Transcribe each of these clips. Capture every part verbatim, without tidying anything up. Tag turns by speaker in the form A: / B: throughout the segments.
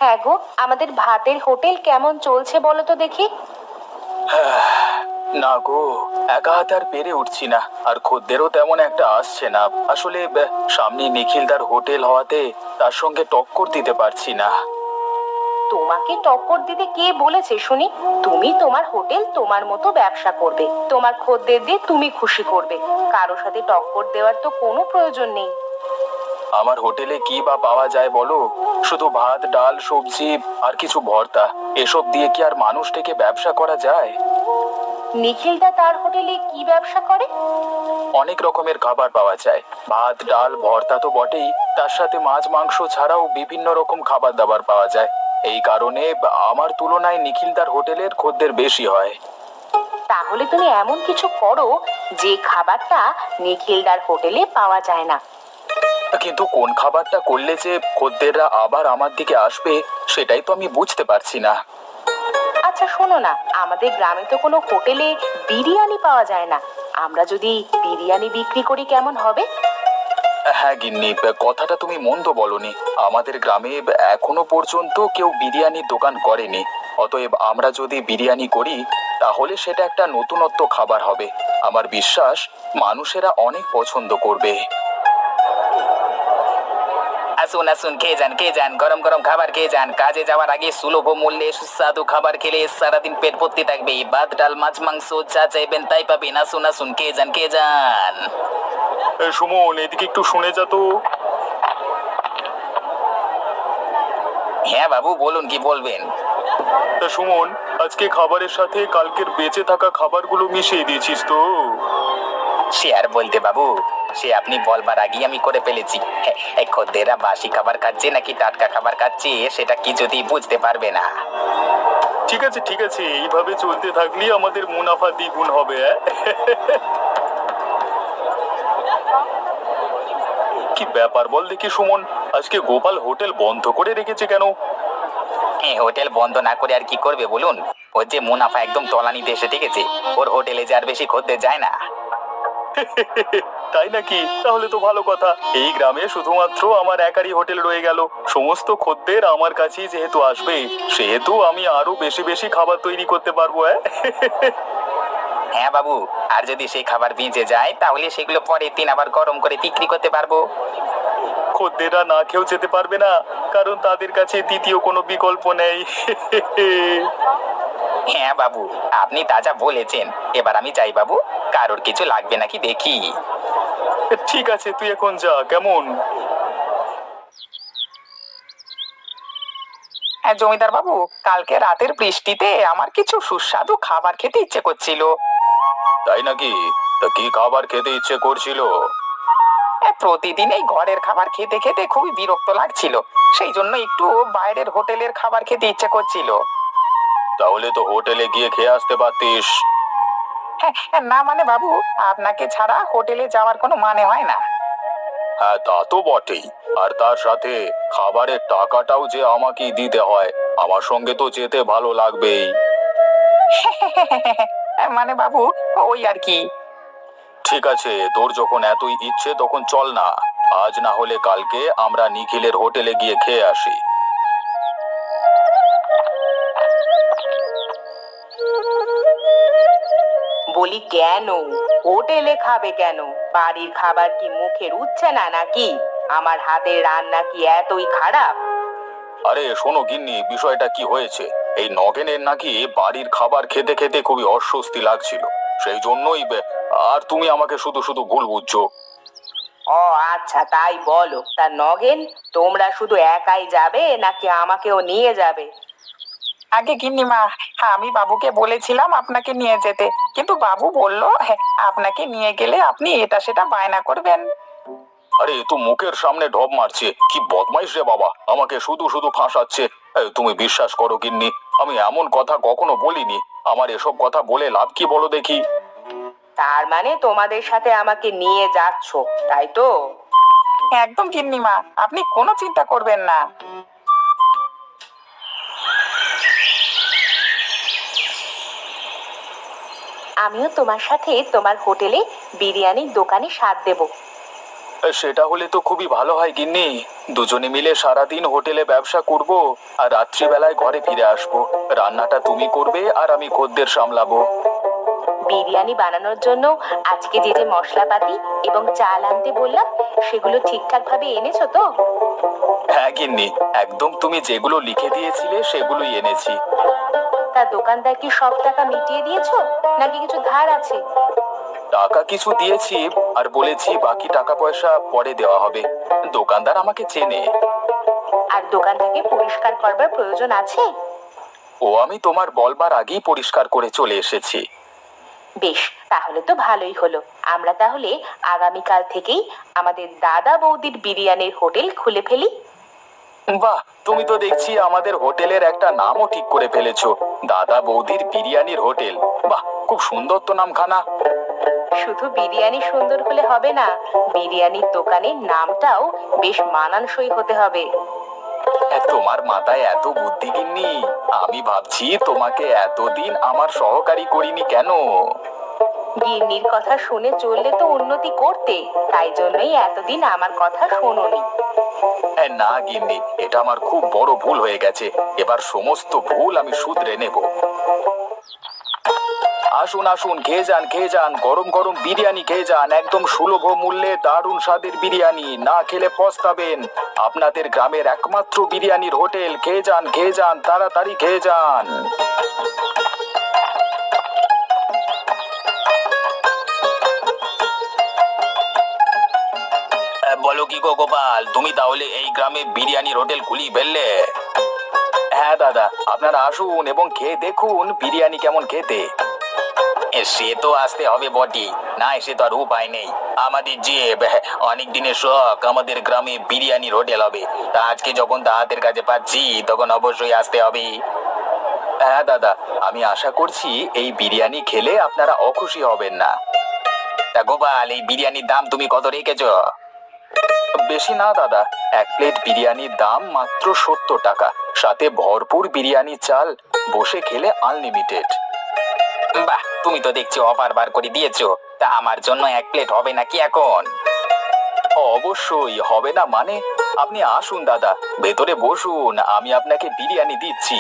A: হ্যাঁ গো, আমাদের ভাতের হোটেল কেমন চলছে বলো তো দেখি।
B: না গো, একা হাতে আর পেরে উঠছি না, আর খদ্দেরও তেমন একটা আসছে না। আসলে ব- সামনে নিখিলদার হোটেল হওয়াতে তার সঙ্গে টক্কর দিতে পারছি না।
A: তোমাকে টক্কর দিতে কে বলেছে শুনি? তুমি তোমার হোটেল তোমার মতো ব্যবসা করবে, তোমার খদ্দের দিয়ে তুমি খুশি করবে। কারো সাথে টক্কর দেওয়ার তো কোনো প্রয়োজন নেই।
B: আমার হোটেলে কি বা পাওয়া যায় বলো? শুধু ভাত, ডাল, সবজি আর কিছু ভর্তা। এসব দিয়ে কি আর মানুষ থেকে ব্যবসা করা যায়?
A: নিখিলদা তার হোটেলে কি ব্যবসা করে?
B: অনেক রকমের খাবার পাওয়া যায়। ভাত, ডাল, ভর্তা তো বটেই, তার সাথে মাছ, মাংস ছাড়াও বিভিন্ন রকম খাবার দাবার পাওয়া যায়। এই কারণে আমার তুলনায় নিখিলদার হোটেলের খদ্দের বেশি হয়।
A: তাহলে তুমি এমন কিছু করো যে খাবারটা নিখিলদার হোটেলে পাওয়া যায় না।
B: কিন্তু কোন খাবারটা করলে যে খদ্দেররা আবার আমার দিকে আসবে, সেটাই তো আমি বুঝতে পারছি না।
A: আচ্ছা শোনো না, আমাদের গ্রামে তো কোনো হোটেলে বিরিয়ানি পাওয়া যায় না। আমরা যদি বিরিয়ানি বিক্রি করি কেমন হবে?
B: হ্যাঁ গিন্নি, কথাটা তুমি মন্দ বলনি। আমাদের গ্রামে এখনো পর্যন্ত কেউ বিরিয়ানির দোকান করেনি। অতএব আমরা যদি বিরিয়ানি করি, তাহলে সেটা একটা নতুনত্ব খাবার হবে। আমার বিশ্বাস মানুষেরা অনেক পছন্দ করবে। আসুন আসুন, খেয়ে যান খেয়ে যান, গরম গরম খাবার খেয়ে যান। কাজে যাওয়ার আগে সুলভ মূল্যে সুস্বাদু খাবার খেলে সারাদিন পেট ভর্তি থাকবে। ভাত, ডাল, মাছ, মাংস যা চাইবেন তাই পাবেন। আসুন আসুন, খেয়ে যান খেয়ে যান। সুমন, এদিকে একটু শুনে যা তো। হ্যাঁ বাবু, বলুন কি বলবেন। তা সুমন, আজকে খাবারের সাথে কালকের বেঁচে থাকা খাবারগুলো মিশিয়ে দিয়েছিস তো? সে আর বলতে বাবু, সে আপনি বলবার আগেই আমি করে ফেলেছি। হ্যাঁ, এই খদ্দেররা বাসি খাবার খাচ্ছে নাকি টাটকা খাবার খাচ্ছে সেটা কি যদি বুঝতে পারবে না। ঠিক আছে ঠিক আছে, এইভাবে চলতে থাকলেই আমাদের মুনাফা দ্বিগুণ হবে। কি ব্যাপার বল দেখি সুমন, আজকে গোপাল হোটেল বন্ধ করে রেখেছে কেন? হ্যাঁ, হোটেল বন্ধ না করে আর কি করবে বলুন? ওর যে মুনাফা একদম তলানিতে এসে ঠেকেছে। ওর হোটেলে যে আর বেশি খদ্দের যায় না। তাই নাকি? তাহলে তো ভালো কথা। এই গ্রামে শুধুমাত্র আমার একারই হোটেল রয়ে গেল। সমস্ত খদ্দের আমার কাছেই যেহেতু আসবে, সেহেতু আমি আরো বেশি বেশি খাবার তৈরি করতে পারবো। হ্যাঁ বাবু, আর যদি সেই খাবার ভিজে যায় তাহলে সেগুলো পরের দিন আবার গরম করে বিক্রি করতে পারবো। খদ্দেররা না খেয়েও যেতে পারবে না, কারণ তাদের কাছে দ্বিতীয় কোনো বিকল্প নেই। হ্যাঁ বাবু, আপনি তাজা বলেছেন। এবার আমি যাই বাবু, কারোর কিছু লাগবে নাকি দেখি। ঠিক আছে, তুই এখন যা কেমন। হ্যাঁ জমিদার বাবু, কালকে রাতের বৃষ্টিতে আমার কিছু সুস্বাদু খাবার খেতে ইচ্ছে করছিল। তাই নাকি? তা কি খাবার খেতে ইচ্ছে করছিল? প্রতিদিন এই ঘরের খাবার খেতে খেতে খুবই বিরক্ত লাগছিল, সেই জন্য একটু বাইরের হোটেলের খাবার খেতে ইচ্ছে করছিল। তাহলে তো হোটেলে গিয়ে খেয়ে আসতে পারতিস। হ্যাঁ, না মানে বাবু, আপনাকে ছাড়া হোটেলে যাওয়ার কোনো মানে হয় না। হ্যাঁ তা তো বটেই, আর তার সাথে খাবারের টাকাটাও যে আমাকেই দিতে হয়। আমার সঙ্গে তো যেতে ভালো লাগবেই। মানে বাবু, ওই আর কি। ঠিক আছে, তোর যখন এতই ইচ্ছে তখন চল না। আজ না হলে কালকে আমরা নিখিলের হোটেলে গিয়ে খেয়ে আসি।
A: বলি কেন হোটেলে খাবে কেন? বাড়ির খাবার কি মুখে রুচছে না নাকি? আমার হাতের রান্না কি এতই খারাপ?
B: আরে শোনো গিন্নি, বিষয়টা কি হয়েছে, এই নগেনের নাকি বাড়ির খাবার খেতে খেতে খুবই অস্বস্তি লাগছিল। সেই জন্যই বে- আর তুমি আমাকে শুধু শুধু ভুল বুঝছো।
A: ও আচ্ছা, তাই বলো। তা নগেন, তোমরা শুধু একাই যাবে নাকি আমাকেও নিয়ে যাবে?
C: আগে গিন্নিমা, আমি বাবুকে বলেছিলাম আপনাকে নিয়ে যেতে, কিন্তু বাবু বলল হ্যাঁ, আপনাকে নিয়ে গেলে আপনি এটা সেটা বায়না করবেন।
B: আরে এ তো মুখের সামনে ঢপ মারছে, কি বদমাইশ রে বাবা, আমাকে শুধু শুধু ফাঁসাচ্ছে। এই, তুমি বিশ্বাস করো গিন্নি, আমি এমন কথা কখনো বলিনি। আমার এসব কথা বলে লাভ কি বলো দেখি?
A: তার মানে তোমাদের সাথে আমাকে নিয়ে যাচ্ছ, তাই তো?
C: একদম গিন্নিমা, আপনি কোনো চিন্তা করবেন না।
A: আমিও তোমার সাথে তোমার হোটেলে বিরিয়ানির দোকানে স্বাদ দেব।
B: এ, সেটা হলে তো খুবই ভালো হয় গিন্নি।
D: দুজনে মিলে সারাদিন হোটেলে ব্যবসা করব আর রাত্রিবেলায় ঘরে ফিরে আসবো। রান্নাটা তুমি করবে আর আমি খদ্দের সামলাবো।
A: বিরিয়ানি বানানোর জন্য আজকে যে যে মশলাপাতি এবং চাল আনতে বললাম সেগুলো ঠিকঠাক ভাবে এনেছো তো?
D: হ্যাঁ গিন্নি, একদম তুমি যেগুলো লিখে দিয়েছিলে সেগুলোই এনেছি।
A: তা দোকানদার কি সব টাকা মিটিয়ে দিয়েছো নাকি কিছু ধার আছে?
D: টাকা কিছু দিয়েছি আর বলেছি বাকি টাকা পয়সা পরে দেওয়া হবে। দোকানদার আমাকে চেনে।
A: আর দোকানটাকে পরিষ্কার করবার প্রয়োজন আছে?
D: ও আমি তোমার বলবার আগেই পরিষ্কার করে চলে এসেছি।
A: বেশ, তাহলে তো ভালোই হলো। আমরা তাহলে আগামীকাল থেকেই আমাদের দাদা বৌদির বিরিয়ানির হোটেল খুলে ফেলি।
D: বাহ, তুমি তো দেখছি আমাদের হোটেলের একটা নামও ঠিক করে ফেলেছো, দাদা বৌদির বিরিয়ানির হোটেল। বাহ, খুব সুন্দর তো নামখানা।
A: শুধু বিরিয়ানি সুন্দর হলে হবে না, বিরিয়ানির দোকানের নামটাও বেশ মানানসই হতে হবে।
D: এ, তোমার মাথায় এত বুদ্ধি গিন্নি, আমি ভাবছি তোমাকে এতদিন আমার সহকারী করিনি কেন।
A: গিন্নির কথা শুনে চললে তো উন্নতি করতে, তাই জন্যই এতদিন আমার কথা শোনোনি।
D: এ, না গিন্নি, এটা আমার খুব বড় ভুল হয়ে গেছে। এবার সমস্ত ভুল আমি শুধরে নেব। আসুন আসুন, খেয়ে যান খেয়ে যান, গরম গরম বিরিয়ানি খেয়ে যান, একদম সুলভ মূল্যে দারুণ স্বাদের বিরিয়ানি। না খেলে পস্তাবেন। আপনাদের গ্রামের একমাত্র বিরিয়ানির হোটেল। খেয়ে যান খেয়ে যান, তাড়াতাড়ি খেয়ে যান। বলো কি গো গোপাল, তুমি তাহলে এই গ্রামে বিরিয়ানির হোটেল খুলি ফেললে? হ্যাঁ দাদা, আপনারা আসুন এবং খেয়ে দেখুন বিরিয়ানি কেমন খেতে। সে তো আসতে হবে বটি, না এসে তো আর উপায় নেই। আমাদের যে অনেক দিনের শখ, আমাদের গ্রামে বিরিয়ানির হোটেল হবে, তা আজকে যখন তা হাতের কাছে পাচ্ছি তখন অবশ্যই আসতে হবে। হ্যাঁ দাদা, আমি আশা করছি এই বিরিয়ানি খেলে আপনারা অখুশি হবেন না। তা গোপাল, এই বিরিয়ানির দাম তুমি কত রেখেছো? বেশি না দাদা, এক প্লেট বিরিয়ানির দাম মাত্র সত্তর টাকা, সাথে ভরপুর বিরিয়ানি চাল, বসে খেলে আনলিমিটেড। বাহ, তুমি তো দেখছি অফার বার করে দিয়েছো। তা আমার জন্য এক প্লেট হবে নাকি এখন? অবশ্যই হবে না মানে? আপনি আসুন দাদা, ভেতরে বসুন, আমি আপনাকে বিরিয়ানি দিচ্ছি।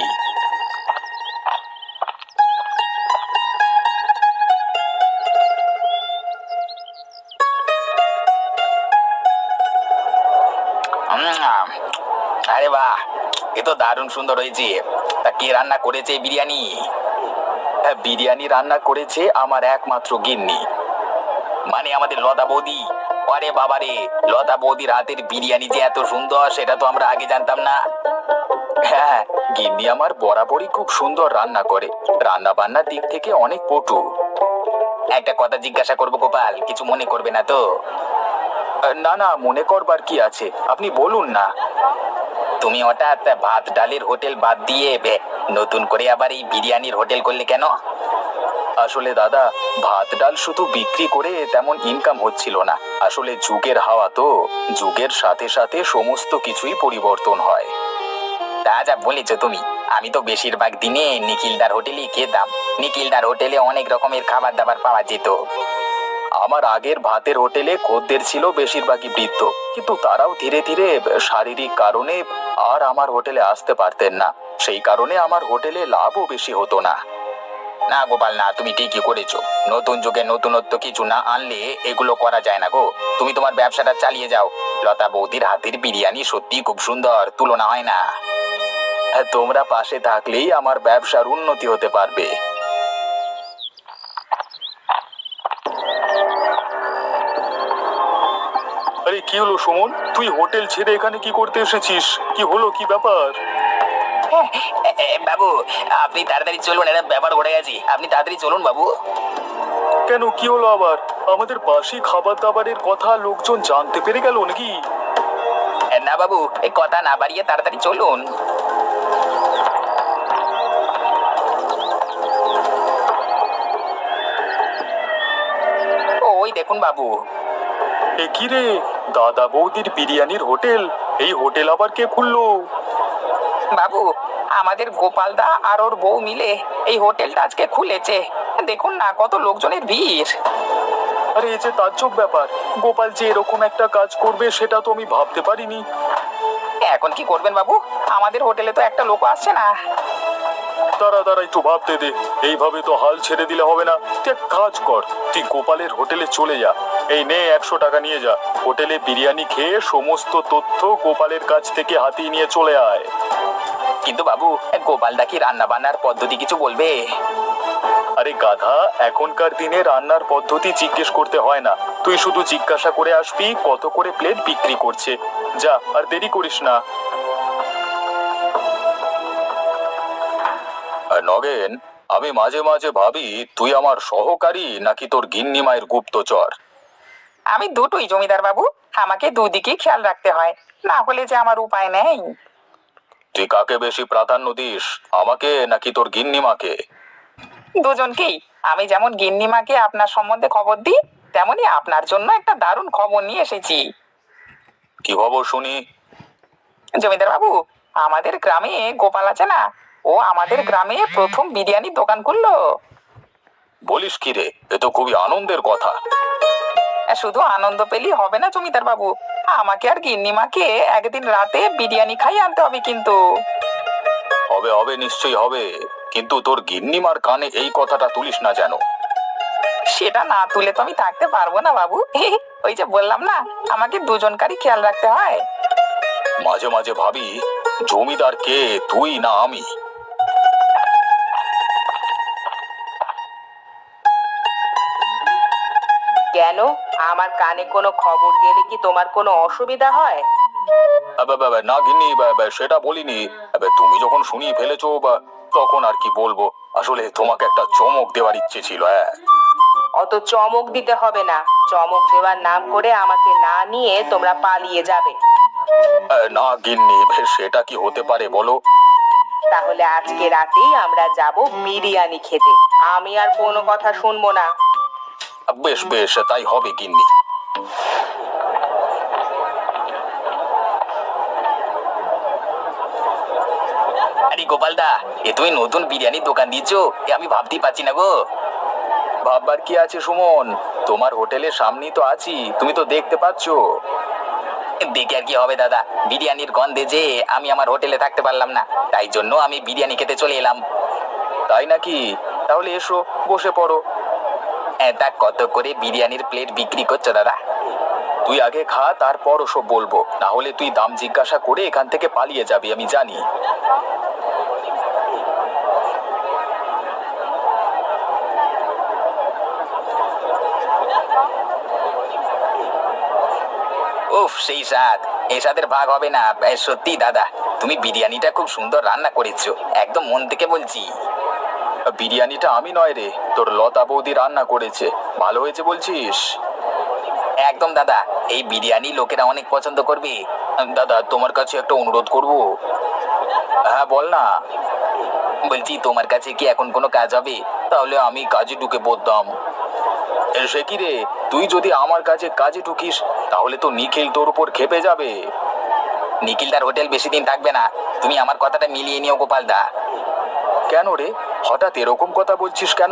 D: উম, আরে বাহ, এ তো দারুণ সুন্দর হয়েছে। তা কে রান্না করেছে এই বিরিয়ানি? হ্যাঁ, বিরিয়ানি রান্না করেছে আমার একমাত্র গিন্নি, মানে আমাদের লতা বৌদি। আরে বাবা রে, লতা বৌদির হাতের বিরিয়ানি যে এত সুন্দর সেটা তো আমরা আগে জানতাম না। হ্যাঁ, গিন্নি আমার বরাবরই খুব সুন্দর রান্না করে, রান্না বান্নার দিক থেকে অনেক পটু। একটা কথা জিজ্ঞাসা করবো গোপাল, কিছু মনে করবে না তো? না না, মনে করবার কি আছে, আপনি বলুন না। তুমি হঠাৎ ভাত ডালের হোটেল বাদ দিয়ে বে, নতুন করে আবার এই বিরিয়ানির হোটেল করলে কেন? আসলে দাদা, ভাত ডাল শুধু বিক্রি করে তেমন ইনকাম হচ্ছিল না। আসলে যুগের হাওয়া তো, যুগের সাথে সাথে সমস্ত কিছুই পরিবর্তন হয়। তা যা বলেছ তুমি, আমি তো বেশিরভাগ দিনে নিখিলদার হোটেলেই খেতাম। নিখিলদার হোটেলে অনেক রকমের খাবার দাবার পাওয়া যেত। আমার আগের ভাতের হোটেলে খদ্দের ছিল বেশিরভাগই বৃদ্ধ, কিন্তু তারাও ধীরে ধীরে শারীরিক কারণে আর আমার হোটেলে আসতে পারতেন না। সেই কারণে আমার হোটেলে লাভও বেশি হতো না। না গোপাল না, তুমি ঠিকই করেছো। নতুন যুগে নতুনত্ব কিছু না আনলে এগুলো করা যায় না গো। তুমি তোমার ব্যবসাটা চালিয়ে যাও। লতা বৌদির হাতের বিরিয়ানি সত্যি খুব সুন্দর, তুলনা হয় না। তোমরা পাশে থাকলেই আমার ব্যবসার উন্নতি হতে পারবে। আরে কি হলো সুমন, তুই হোটেল ছেড়ে এখানে কি করতে এসেছিস? কি হলো, কি ব্যাপার? বাবু, আপনি তাড়াতাড়ি চলুন, একটা ব্যাপার ঘটে গেছে। আপনি তাড়াতাড়ি চলুন বাবু। কেন, কি হলো আবার? আমাদের বাসি খাবার দাবারের কথা লোকজন জানতে পেরে গেল নাকি? না বাবু, এই কথা না বাড়িয়ে তাড়াতাড়ি চলুন। ওই দেখুন বাবু। এ কি রে, দাদা বৌদির বিরিয়ানির হোটেল? এই হোটেল আবার কে খুললো? বাবু, আমাদের গোপালদা আর ওর বউ মিলে এই হোটেলটা আজকে খুলেছে। দেখুন না কত লোকজনের ভিড়। আরে এই যে তাজ্জব ব্যাপার, গোপাল যে এরকম একটা কাজ করবে সেটা তো আমি ভাবতে পারিনি।
C: এখন কি করবেন বাবু? আমাদের হোটেলে তো একটা লোক আসছে না।
E: তারা তারা একটু ভাবতে দে, এইভাবে তো হাল ছেড়ে দিলে হবে না। তুই এক কাজ কর, তুই গোপালের হোটেলে চলে যা। এই নে একশো টাকা নিয়ে যা, হোটেলে বিরিয়ানি খেয়ে সমস্ত তথ্য গোপালের কাছ থেকে হাতিয়ে নিয়ে চলে আয়।
D: কিন্তু বাবু, গোপালদা কি রান্না বান্নার পদ্ধতি কিছু বলবে?
E: আরে গাধা, এখনকার দিনে রান্নার পদ্ধতি জিজ্ঞেস করতে হয় না, তুই শুধু জিজ্ঞাসা করে আসবি কত করে প্লেট বিক্রি করছে। যা, আর দেরি করিস না। আর নগেন, আমি মাঝে মাঝে ভাবি তুই আমার সহকারী নাকি তোর গিন্নি মায়ের গুপ্তচর।
C: আমি দুটোই জমিদার বাবু, আমাকে দুদিকেই খেয়াল রাখতে হয়, না হলে যে আমার উপায় নেই।
E: তুই কাকে বেশি প্রাধান্য দিস, আমাকে নাকি তোর গিন্নিমাকে?
C: দুজনকেই। আমি যেমন গিন্নিমাকে আপনার সম্বন্ধে খবর দিই, তেমনি আপনার জন্য একটা দারুণ খবর নিয়ে এসেছি।
E: কি খবর শুনি?
C: জমিদার বাবু, আমাদের গ্রামে গোপাল আছে না, ও আমাদের গ্রামে প্রথম বিরিয়ানির দোকান খুললো।
E: বলিস কি রে, এ তো খুবই আনন্দের কথা।
C: শুধু আনন্দ পেলেই হবে না জমিদার বাবু, আমাকে আর গিন্নিমাকে একদিন রাতে বিরিয়ানি খাই আনতে হবে কিন্তু।
E: হবে হবে, নিশ্চয়ই হবে, কিন্তু তোর গিন্নিমার কানে এই কথাটা তুলিস না যেন।
C: সেটা না তুলে তো আমি থাকতে পারবো না বাবু। ওই যে বললাম না, আমাকে দুজনকারই খেয়াল রাখতে হয়।
E: মাঝে মাঝে ভাবি জমিদার কে, তুই না আমি?
A: কেন, আমার কানে কোনো খবর গেলে কি তোমার কোনো অসুবিধা হয়?
E: আবে, বাবা, না গিন্নি, বাবা, সেটা বলিনি। আবে, তুমি যখন শুনিয়ে ফেলেছো বা, তখন আর কি বলবো। আসলে তোমাকে একটা চমক দেওয়ার ইচ্ছে ছিল। হ্যাঁ,
A: অত চমক দিতে হবে না, চমক দেওয়ার নাম করে আমাকে না নিয়ে তোমরা পালিয়ে যাবে।
E: আহ, না গিন্নি, সেটা কি হতে পারে বলো?
A: তাহলে আজকে রাতেই আমরা যাব বিরিয়ানি খেতে, আমি আর কোনো কথা শুনবো না।
E: বেশ বেশ, তাই হবে গিন্নি।
D: আরে গোপালদা, এ তুমি নতুন বিরিয়ানির দোকান দিয়েছো, এ আমি ভাবতেই পারছি না গো।
E: ভাববার কি আছে সুমন, তোমার হোটেলের সামনেই তো আছি, তুমি তো দেখতে পাচ্ছ।
D: দেখে আর কি হবে দাদা, বিরিয়ানির গন্ধে যে আমি আমার হোটেলে থাকতে পারলাম না, তাই জন্য আমি বিরিয়ানি খেতে চলে এলাম।
E: তাই নাকি? তাহলে এসো, বসে পড়ো।
D: এ, তা কত করে বিরিয়ানির প্লেট বিক্রি করছো দাদা?
E: তুই আগে খা, তারপর ওসব বলবো, না হলে তুই দাম জিজ্ঞাসা করে এখান থেকে পালিয়ে যাবি, আমি জানি।
D: উফ, সেই স্বাদ, এই স্বাদের ভাগ হবে না। এ, সত্যি দাদা, তুমি বিরিয়ানিটা খুব সুন্দর রান্না করেছো, একদম মন থেকে বলছি।
E: বিরিয়ানিটা আমি নয় রে, তোর লতা বৌদি রান্না করেছে। ভালো হয়েছে বলছিস?
D: একদম দাদা, এই বিরিয়ানি লোকেরা অনেক পছন্দ করবে।
E: দাদা, তোমার কাছে একটা অনুরোধ করব। হ্যাঁ, বল না।
D: বলছি, তোমার কাছে কি এখন কোনো কাজ হবে?
E: তাহলে আমি কাজে ঢুকে পড়তাম। এ, সে কি রে, তুই যদি আমার কাছে কাজে ঢুকিস তাহলে তো নিখিল তোর উপর খেপে যাবে।
D: নিখিলদার হোটেল বেশি দিন থাকবে না, তুমি আমার কথাটা মিলিয়ে নিও গোপালদা।
E: কেন রে, হঠাৎ এরকম কথা বলছিস কেন?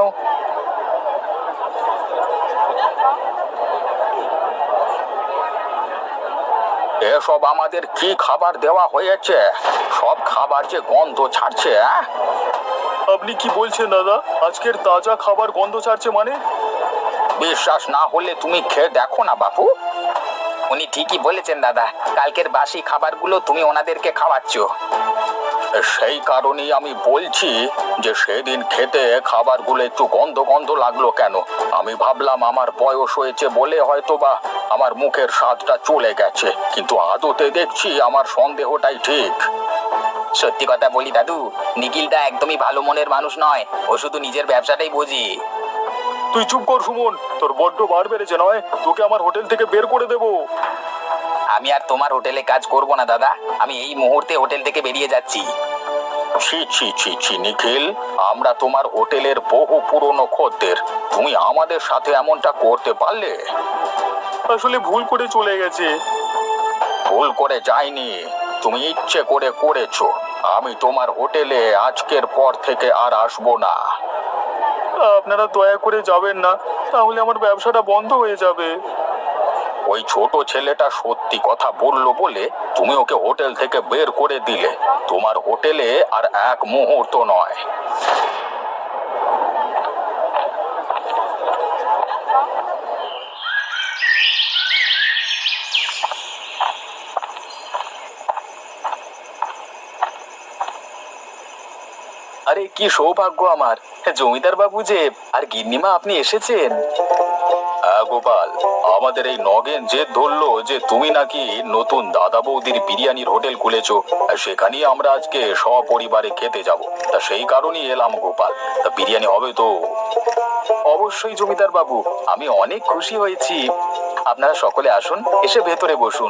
E: এসব আমাদের কি খাবার দেওয়া হয়েছে? সব খাবার যে গন্ধ ছাড়ছে। হ্যাঁ, আপনি কি বলছেন দাদা? আজকের তাজা খাবার গন্ধ ছাড়ছে মানে?
D: বিশ্বাস না হলে তুমি খেয়ে দেখো না বাপু। উনি ঠিকই বলেছেন দাদা, কালকের বাসি খাবারগুলো তুমি ওনাদেরকে খাওয়াচ্ছ।
E: সেই কারণেই আমি বলছি যে সেদিন খেতে খাবারগুলো একটু গন্ধ গন্ধ লাগলো কেন। আমি ভাবলাম আমার বয়স হয়েছে বলে হয়তো বা আমার মুখের স্বাদটা চলে গেছে, কিন্তু আদতে দেখছি আমার সন্দেহটাই ঠিক।
D: সত্যি কথা বলি দাদু, নিখিলদা একদমই ভালো মনের মানুষ নয়, ও শুধু নিজের ব্যবসাটাই বোঝে।
E: তুই চুপ কর সুমন, তোর বড্ড বার বেড়েছে নয়, তোকে আমার হোটেল থেকে বের করে দেবো।
D: আমি আর তোমার হোটেলে কাজ করব না দাদা, আমি এই মুহূর্তে হোটেল থেকে বেরিয়ে যাচ্ছি।
E: ছি ছি ছি ছি নিখিল, আমরা তোমার হোটেলের বহু পুরনো খদ্দের, তুমি আমাদের সাথে এমনটা করতে পারলে? আসলে ভুল করে চলে গেছে। ভুল করে যায়নি, তুমি ইচ্ছে করে করেছো। আমি তোমার হোটেলে আজকের পর থেকে আর আসবো না। আপনারা দয়া করে যাবেন না, তাহলে আমার ব্যবসাটা বন্ধ হয়ে যাবে। ওই ছোট ছেলেটা সত্যি কথা বললো বলে তুমি ওকে হোটেল থেকে বের করে দিলে। তোমার হোটেলে আর এক মুহূর্ত নয়। আরে কি সৌভাগ্য আমার, জমিদার বাবু যে আর গিন্নিমা আপনি এসেছেন। হ্যাঁ গোপাল, আমাদের এই নগেন জেদ ধরলো যে তুমি নাকি নতুন দাদা বৌদির বিরিয়ানির হোটেল খুলেছো, সেখানেই আমরা আজকে সপরিবারে খেতে যাব। তা সেই কারণেই এলাম গোপাল। তা বিরিয়ানি হবে তো? অবশ্যই জমিদার বাবু, আমি অনেক খুশি হয়েছি। আপনারা সকলে আসুন, এসে ভেতরে বসুন।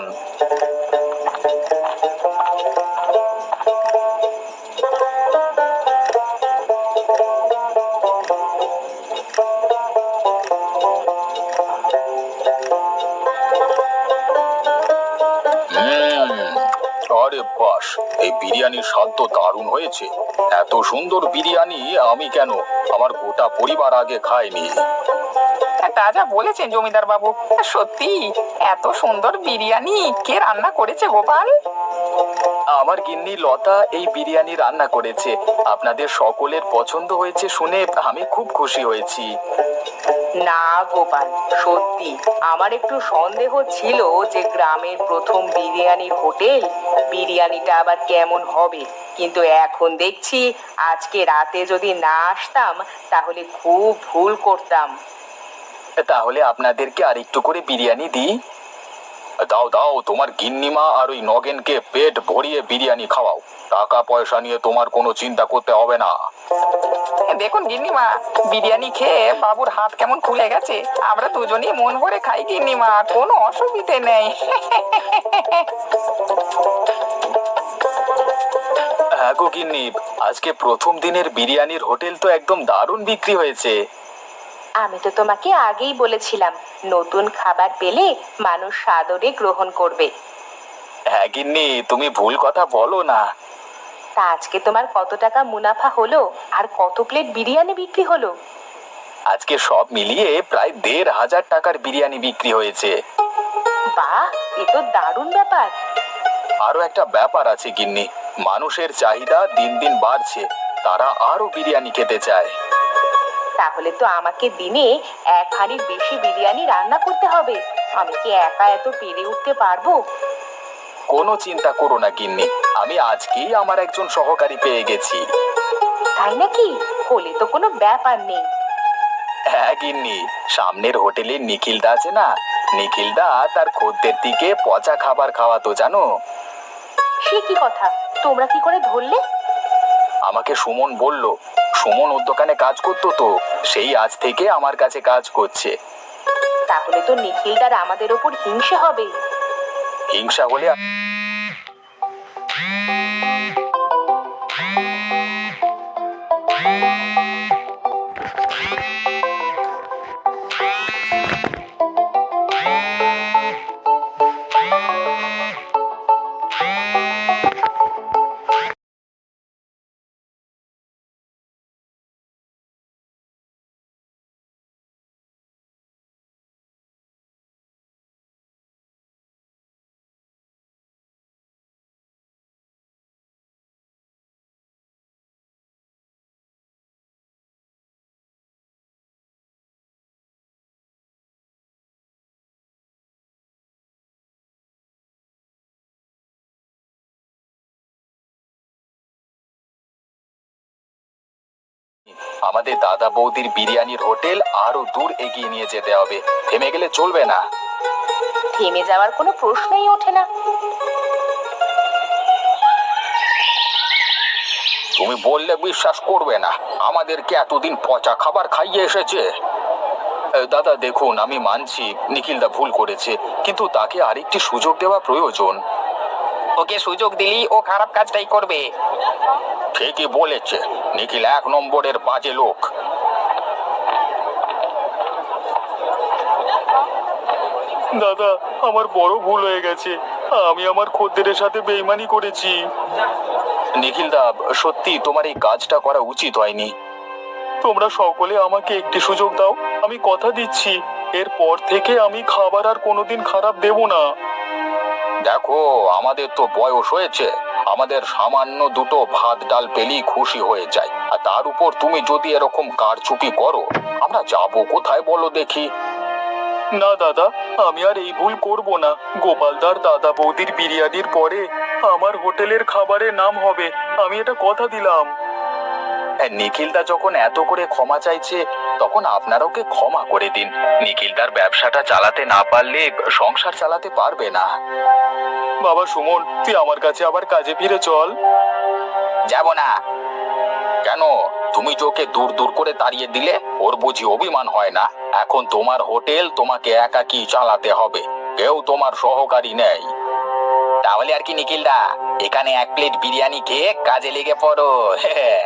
E: হুম, আরে বাস, এই বিরিয়ানির স্বাদ তো দারুণ হয়েছে। এত সুন্দর বিরিয়ানি আমি কেন, আমার গোটা পরিবার আগে খায়নি।
C: তা যা বলেছেন জমিদার বাবু, সত্যি এত সুন্দর বিরিয়ানি কে রান্না করেছে গোপাল?
E: আমার গিন্নি লতা এই বিরিয়ানি রান্না করেছে। আপনাদের সকলের পছন্দ হয়েছে শুনে আমি খুব খুশি হয়েছি।
A: না গোপাল, সত্যি আমার একটু সন্দেহ ছিল যে গ্রামের প্রথম বিরিয়ানির হোটেল, বিরিয়ানিটা আবার কেমন হবে। কিন্তু এখন দেখছি আজকে রাতে যদি না আসতাম তাহলে খুব ভুল করতাম।
E: তাহলে আপনাদেরকে আর একটু করে বিরিয়ানি দিই। দাও দাও, তোমার গিন্নিমা আর ওই নগেনকে পেট ভরিয়ে বিরিয়ানি খাওয়াও। টাকা পয়সা নিয়ে তোমার কোনো চিন্তা করতে হবে না।
C: দেখুন গিন্নিমা, বিরিয়ানি খেয়ে বাবুর হাত কেমন খুলে গেছে। আমরা দুজনেই মন ভরে খাই গিন্নিমা, কোনো অসুবিধে নেই।
E: হ্যাঁ গো গিন্নি, আজকে প্রথম দিনের বিরিয়ানির হোটেল তো একদম দারুণ বিক্রি হয়েছে।
A: আমি তো তোমাকে আগেই বলেছিলাম, নতুন খাবার পেলে মানুষ সাদরে গ্রহণ করবে।
E: হ্যাঁ গিন্নি, তুমি ভুল কথা বলো না।
A: তা আজকে তোমার কত টাকা মুনাফা হলো আর কত প্লেট বিরিয়ানি বিক্রি হলো?
E: আজকে সব মিলিয়ে প্রায় দেড় হাজার টাকার বিরিয়ানি বিক্রি হয়েছে।
A: বাহ, এ তো দারুণ ব্যাপার।
E: আরো একটা ব্যাপার আছে গিন্নি, মানুষের চাহিদা দিন দিন বাড়ছে, তারা আরো বিরিয়ানি খেতে চায়।
A: তাহলে তো আমাকে দিনে এক হাঁড়ির বেশি বিরিয়ানি রান্না করতে হবে। আমি কি একা এত পেরে উঠতে পারবো?
E: কোনো চিন্তা করো না গিন্নি, আমি আজকেই আমার একজন সহকারী পেয়ে গেছি।
A: তাই নাকি? হলে তো কোনো ব্যাপার নেই।
E: হ্যাঁ গিন্নি, সামনের হোটেলে নিখিলদা আছে না, নিখিলদা তার খদ্দের দিকে পচা খাবার খাওয়াতো জানো।
A: সে কি কথা, তোমরা কি করে ধরলে?
E: আমাকে সুমন বলল, সুমন ওর দোকানে কাজ করতো তো, সেই আজ থেকে আমার কাছে কাজ করছে।
A: তাহলে তো নিখিলদার আমাদের ওপর হিংসে হবে।
E: হিংসা হলে আমাদের দাদা বৌদির বিরিয়ানির হোটেল আরো দূর এগিয়ে নিয়ে যেতে হবে, থেমে গেলে চলবে না।
A: থেমে যাওয়ার কোনো প্রশ্নই ওঠে না।
E: তুমি বললে বিশ্বাস করবে না, আমাদেরকে এতদিন পচা খাবার খাইয়ে এসেছে। এ, দাদা দেখুন, আমি মানছি নিখিলদা ভুল করেছে, কিন্তু তাকে আরেকটি সুযোগ দেওয়া প্রয়োজন।
C: ওকে সুযোগ দিলি ও খারাপ কাজটাই করবে।
E: ঠিকই বলেছে, নিখিল এক নম্বরের বাজে লোক। দাদা, আমার বড় ভুল হয়ে গেছে, আমি আমার খদ্দেরের সাথে বেইমানি করেছি। নিখিলদা, সত্যি তোমার এই কাজটা করা উচিত হয়নি। তোমরা সকলে আমাকে একটি সুযোগ দাও, আমি কথা দিচ্ছি এরপর থেকে আমি খাবার আর কোনোদিন খারাপ দেব না। দেখো, আমাদের তো বয়স হয়েছে, আমাদের সামান্য দুটো ভাত ডাল পেলেই খুশি হয়ে যায়, আর তার উপর তুমি যদি এরকম কারচুপি করো, আমরা যাবো কোথায় বলো দেখি? না দাদা, আমি আর এই ভুল করব না। গোপালদার দাদা বৌদির বিরিয়ানির পরে আমার হোটেলের খাবারের নাম হবে, আমি এটা কথা দিলাম। নিখিলদা যখন এত করে ক্ষমা চাইছে, তখন আপনারা ওকে ক্ষমা করে দিন। নিখিলদার ব্যবসাটা চালাতে না পারলে সংসার চালাতে পারবে না। বাবা সুমন, তুই আমার কাছে আবার কাজে ফিরে চল।
D: যাব না। কেন? তুমি যে ওকে দূর দূর করে তাড়িয়ে দিলে, ওর বুঝি অভিমান হয় না? এখন তোমার হোটেল তোমাকে একাকী চালাতে হবে, কেউ তোমার সহকারী নেই। তাহলে আর কি নিখিলদা, এখানে এক প্লেট বিরিয়ানি খেয়ে কাজে লেগে পড়ো।